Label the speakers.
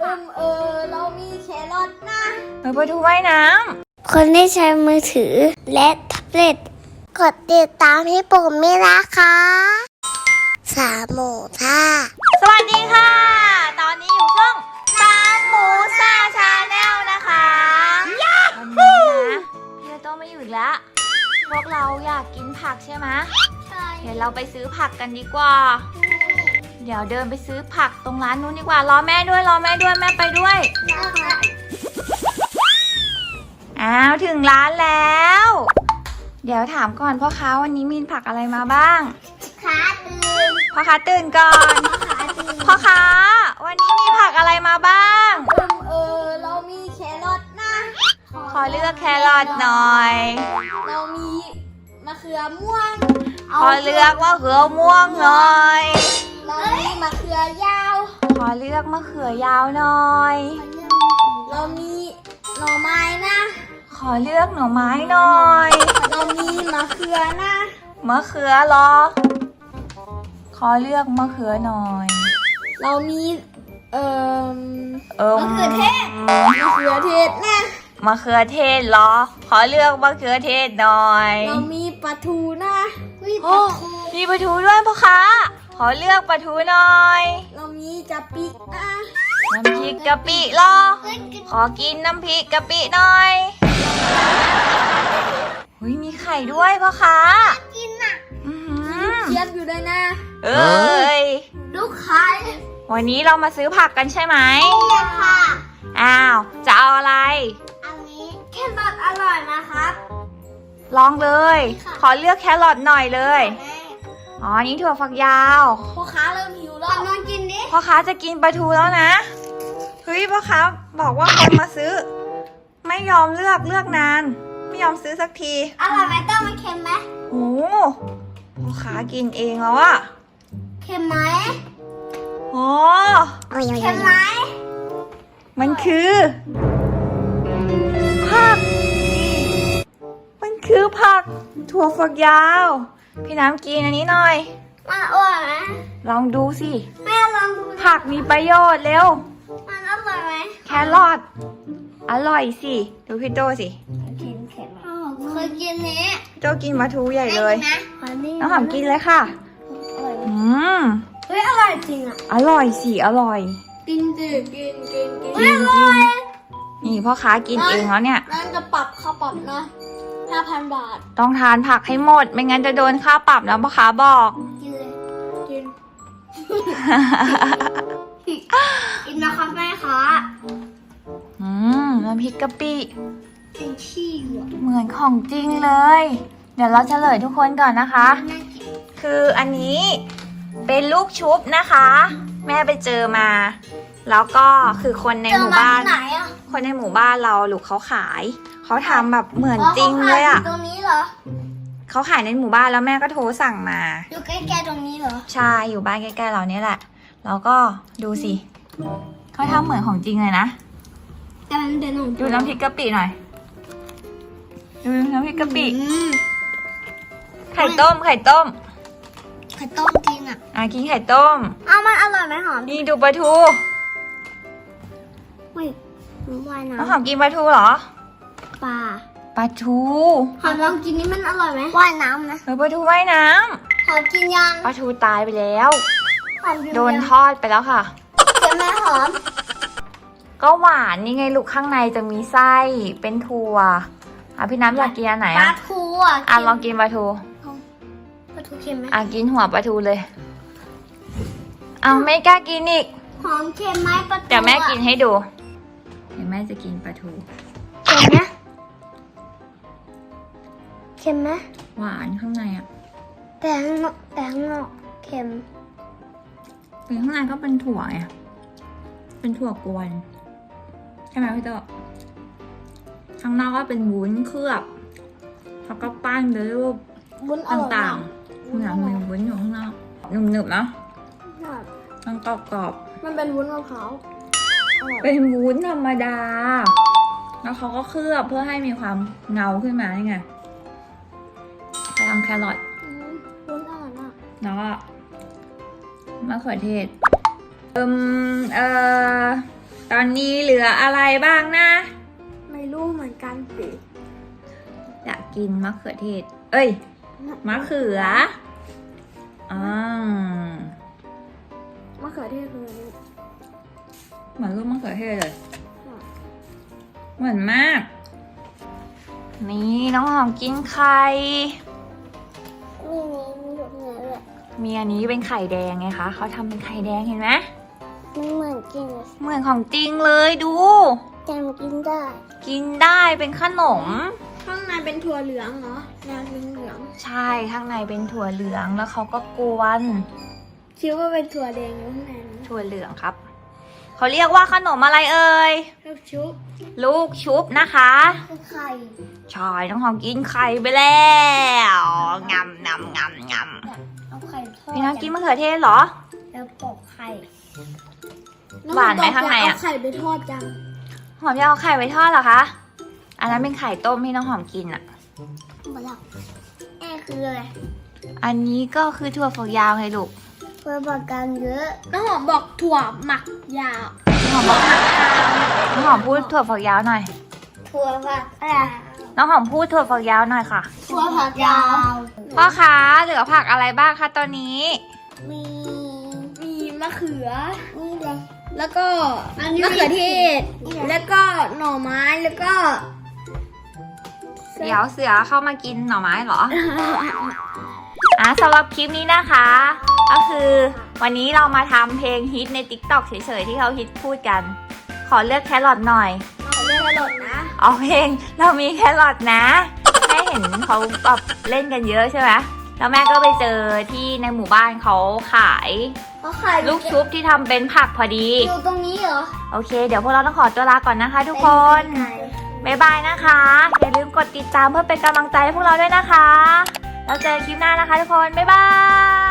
Speaker 1: เรามีแครอทนะ
Speaker 2: ไปดูว่ายน้
Speaker 3: ำคนที่ใช้มือถือและแท็บเล็ตกดติดตามให้ผมไม่นะคะ3 หมูท่า
Speaker 2: สวัสดีค่ะ ตอนนี้อยู่ช่อง3 หมูซ่าชาแนลนะคะวันนี้นะพี่โต้ไม่อยู่อีกแล้วพวกเราอยากกินผักใช่ไหม
Speaker 3: ใช่
Speaker 2: เดี๋ยวเราไปซื้อผักกันดีกว่าเดี๋ยวเดินไปซื้อผักตรงร้านนู้นดีกว่ารอแม่ด้วยแม่ไปด้วยอ้าวถึงร้านแล้วเดี๋ยวถามก่อนพ่อค้าวันนี้มีผักอะไรมาบ้างพ่อค้าตื่นก่อนพ่อค้าวันนี้มีผักอะไรมาบ้าง
Speaker 1: เรามีแครอทนะ
Speaker 2: ขอเลือกแครอทหน่อย
Speaker 1: เรามีมะเขือม่วง
Speaker 2: ขอเลือกมะเขือม่วงหน่อย
Speaker 1: เรามีมะเขือยาว
Speaker 2: ขอเลือกมะเขือยาวหน่อย
Speaker 1: เรามีหน่อไม้นะ
Speaker 2: ขอเลือกหน่อไม้หน่อย
Speaker 1: เรามีมะเขือนะ
Speaker 2: มะเขือเหรอขอเลือกมะเขือหน่อย
Speaker 1: เรามีมะเขือเทศนะ
Speaker 2: มะเขือเทศเหรอขอเลือกมะเขือเทศหน่อย
Speaker 1: เรามีปลาทูนะ
Speaker 2: มีปลาทูด้วยพ่อค้าขอเลือกปลาทูหน่อย
Speaker 1: เรามีกะปินะ
Speaker 2: น้ำพริกกะปิเหรอขอกินน้ำพริกกะปิหน่อยมีไข่ด้วยพ่อค้า
Speaker 3: กินอ่ะ
Speaker 1: เทียบอยู่ด้วยนะ
Speaker 3: ลูกค้า
Speaker 2: วันนี้เรามาซื้อผักกันใช่ไหม
Speaker 3: ค่ะ
Speaker 2: อ้าวจะเอาอะไร
Speaker 3: อันนี้แครอทอร่อยนะครับ
Speaker 2: ลองเลยขอเลือกแครอทหน่อยเลยอ๋อนี่ถั่วฝักยาว
Speaker 1: พ่อค้าเริ่มหิวแล้ว
Speaker 3: มากินดิ
Speaker 2: พ่อค้าจะกินปลาทูแล้วนะพ่อค้าบอกว่าคนมาซื้อไม่ยอมเลือกนานไม่ยอมซื้อสักที
Speaker 3: อร่อยไหมต้มมันเค็มไหม
Speaker 2: โอ้พ่อค้ากินเองแล้วอะ
Speaker 3: เค็มไหม
Speaker 2: โอ้
Speaker 3: เค็มไหม
Speaker 2: มันคือผักถั่วฝักยาวพี่น้ำกินอันนี้หน่อย
Speaker 3: มันอร่อยไหม
Speaker 2: ลองดูสิ
Speaker 3: แม่ลองดู
Speaker 2: ผักมีประโยชน์เร็ว
Speaker 3: มันอร่อยไหม
Speaker 2: แครอทอร่อยสิดูพี่โตสิ
Speaker 3: เคยกินนี้
Speaker 2: โตกินปลาทูใหญ่เลยน้องหอมกินเลยค่ะ
Speaker 3: เฮ้ยอร่อยจริงอ่ะ
Speaker 2: อร่อยสิอร่อย
Speaker 1: กิน
Speaker 2: นี่พ่อค้ากินเองแล้วเนี่ย
Speaker 1: นั่นจะปรับค่าปรับนะ5,000 บาท
Speaker 2: ต้องทานผักให้หมดไม่งั้นจะโดนค่าปรับนะพ่อค้าบอก
Speaker 3: กินเลย
Speaker 1: กิน
Speaker 3: กินนะครับแม่คะ
Speaker 2: น้ำพริกกะปิ
Speaker 3: กินขี้อ่ะ
Speaker 2: เหมือนของจริงเลยเดี๋ยวเราเฉลยทุกคนก่อนนะคะคืออันนี้เป็นลูกชุบนะคะแม่ไปเจอมาแล้วก็คือคนในหมู่บ้านคนในหมู่บ้านเราลูกเขาขายเขาทำแบบเหมือนจริงเลยอ่ะ
Speaker 3: ตรงนี้เหรอ
Speaker 2: เขาขายในหมู่บ้านแล้วแม่ก็โทรสั่งมา
Speaker 3: อยู่ใกล้ๆตรงนี้เหรอ
Speaker 2: ใช่อยู่บ้านใกล้ๆเราเนี่ยแหละแล้วก็ดูสิเขาทำเหมือนของจริงเลยนะดูน้ำพริกกะปิหน่อยดูน้ำพริกกะปิไข่ต้ม
Speaker 3: จริงอ่ะ
Speaker 2: กินไข่ต้ม
Speaker 3: มันอร่อยไหมหอม
Speaker 2: นี่ดูปลาทูน้องหอมกินปลาทูเหรอปลาทู
Speaker 3: หอมลองกินนี่มันอร่อยไหมว่ายน้ำนะ
Speaker 2: ปลาทูว่ายน้
Speaker 3: ำหอมกินยัง
Speaker 2: ปลาทูตายไปแล้วโดนทอดไปแล้วค่ะ
Speaker 3: เค็มไหมหอม
Speaker 2: ก็หวานนี่ไงลูกข้างในจะมีไส้เป็นถั่วพี่น้ำอยากกินอันไหน
Speaker 3: ปลาทู
Speaker 2: ลองกินปลาทู
Speaker 3: เค็มไหม
Speaker 2: กินหัวปลาทูเลยไม่กล้ากินอีก
Speaker 3: หอมเค็มไหมปลาทู
Speaker 2: เดี๋ยวแม่กินให้ดูเดี๋ยวแม่จะกินปลาทู
Speaker 3: เค็มไหม
Speaker 2: หวานข้างใน
Speaker 3: แต่ข้างนอกเค็ม
Speaker 2: ข้างในก็เป็นถั่วไงเป็นถั่วกวนใช่ไหมพี่โตข้างนอกก็เป็นวุ้นเคลือบแล้วก็ปั้นด้วยรูปต่างๆเหมือนมีวุ้นอยู่ข้างนอกหนึบๆนะมันกรอบ
Speaker 1: ๆมันเป็นวุ้นมะพร้าว
Speaker 2: เป็นวุ้นธรรมดาแล้วเขาก็เคลือบเพื่อให้มีความเงาขึ้นมานี่ไงไปทำแครอท
Speaker 1: วุ้นอร่อยมาก
Speaker 2: แล้วก็มะเขือเทศตอนนี้เหลืออะไรบ้างนะ
Speaker 1: ไม่รู้เหมือนกันสิ
Speaker 2: อยากกินมะเขือเทศ เอ้ย มะเขืออ่าม
Speaker 1: ะเขือเทศคืออันนี้
Speaker 2: เหมือนรูปมะเขือเทศเลย เหมือนมาก นี่น้องหอมกินไข่ มีอันนี้เป็นไข่แดงไงคะ เขาทำเป็นไข่แดงเห็นไหม
Speaker 3: มันเหมือนกิน
Speaker 2: เหมือนของจริงเลยดู
Speaker 3: จำกินได้
Speaker 2: กินได้เป็นขนม
Speaker 1: ข้างในเป็นถั่วเหลืองเหรอแนวเหลือง
Speaker 2: ใช่ข้างในเป็นถั่วเหลืองแล้วเขาก็กวน
Speaker 1: ๆคิดว่าเป็นถั่วแดงอยู่ข้างในนะ
Speaker 2: ถั่วเหลืองครับ เขาเรียกว่าขนมอะไรเอ่ย
Speaker 1: ลูกชุบ
Speaker 2: ลูกชุบนะคะ
Speaker 3: คือไข่
Speaker 2: ใช่น้องหอมกินไข่ไปแล้วงำงำงำง
Speaker 3: เอาไข่ทอด
Speaker 2: ำพี่น้องกินมะเขือเทศเหรอ
Speaker 3: แล้วปอกไข่
Speaker 2: หวานไหมข้างในอะ
Speaker 1: เอาไข่ไปทอดจัง
Speaker 2: หอมจะเอาไข่ไว้ทอดเหรอคะ อันนั้นเป็นไข่ต้มที่น้องหอมกินอะ
Speaker 3: หมดแล้วคืออะไร
Speaker 2: อันนี้ก็คือถั่วฝักยาวไงลูก
Speaker 3: เพื่อบอกกันเยอะ
Speaker 1: น้องหอมบอกถั่วหมักยาว
Speaker 2: น้องหอมบอกน้องหอมพูดถั่วฝักยาวหน่อย
Speaker 3: ถั่วผักอะไร
Speaker 2: น้องหอมพูดถั่วฝักยาวหน่อยค่ะ
Speaker 3: ถั่วผักยาว
Speaker 2: พ่อคะเหลือผักอะไรบ้างคะตอนนี้
Speaker 3: มี
Speaker 1: มีมะเขือ
Speaker 3: นี่เลย
Speaker 1: แล้วก็
Speaker 3: อันนี้
Speaker 1: มะเขือเทศ
Speaker 3: นี่แหละ
Speaker 1: แล้วก็หน่อไม้ แล้วก็
Speaker 2: เดี๋ยวเสือเข้ามากินหน่อไม้เหรอ สำหรับคลิปนี้นะคะ ก็คือวันนี้เรามาทำเพลงฮิตใน TikTok เฉยๆที่เขาฮิตพูดกัน ขอเลือกแครอทหน่อย
Speaker 1: เอาเรื่องอร่อยนะ
Speaker 2: เอาเพลงเรามีแครอทนะแม่เห็นเขาแบบเล่นกันเยอะใช่ไหมแล้วแม่ก็ไปเจอที่ในหมู่บ้านเขาขาย
Speaker 1: เขาไข่
Speaker 2: ลูกชุบที่ทำเป็นผักพอดี
Speaker 1: อยู่ตรงนี้เหรอ
Speaker 2: โอเค เดี๋ยวพวกเราต้องขอตัวลาก่อนนะคะทุกคน บ๊ายบายนะคะ อย่าลืมกดติดตามเพื่อเป็นกำลังใจให้พวกเราด้วยนะคะ แล้วเจอคลิปหน้านะคะทุกคน บ๊ายบาย